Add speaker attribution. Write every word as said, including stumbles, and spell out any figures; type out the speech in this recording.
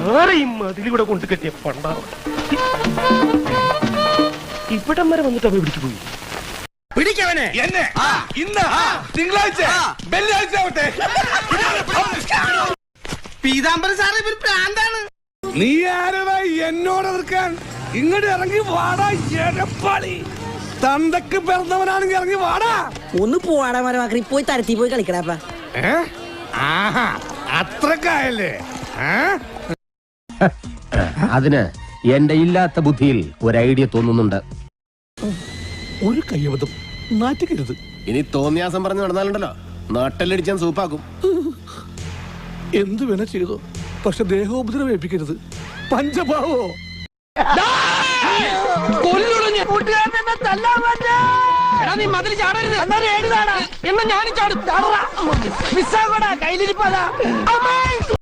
Speaker 1: ആരെയും അതിലൂടെ കൊണ്ട് കെട്ടിയ പണ്ടാവും ഇവിടം വരെ വന്നിട്ട് അവ പിടിച്ചു പോയി.
Speaker 2: പിടിക്കവനെ എന്നെ ഇന്ന് തിങ്കളാഴ്ച വെള്ളിയാഴ്ച ആവട്ടെ. പീതാംബരൻ സാറ് ഇവര് പ്രാന്താണ്. നീ ആരടാ എന്നോട് എതിർക്കാൻ? ഇങ്ങോട്ട് ഇറങ്ങി വാടാ എടപ്പാളി. തന്തക്ക് പിറന്നവനാണെങ്കിൽ ഇറങ്ങി വാടാ.
Speaker 3: ഒന്ന് പോവാടാ മരമാക്കി പോയി തരത്തി പോയി കളിക്കടാപ്പ.
Speaker 2: അത്രക്കായല്ലേ?
Speaker 4: അതിന് എന്റെ ഇല്ലാത്ത ബുദ്ധിയിൽ ഒരു ഐഡിയ തോന്നുന്നുണ്ട്.
Speaker 2: ഒരു കയ്യബദ്ധം നാറ്റിക്കരുത്.
Speaker 4: ഇനി തോന്നിയാസം പറഞ്ഞു നടന്നാലുണ്ടല്ലോ നാട്ടിലടിച്ചാൻ സൂപ്പാക്കും.
Speaker 2: എന്തു വേണ ചെയ്തോ, പക്ഷെ ദേഹോപദ്രവം ഏൽപ്പിക്കരുത്. പഞ്ചഭാവോ
Speaker 1: നീ മതിൽ ചാടരുത്. എന്നാ ഞാനും ചാടും. കയ്യിലിരിപ്പതാ.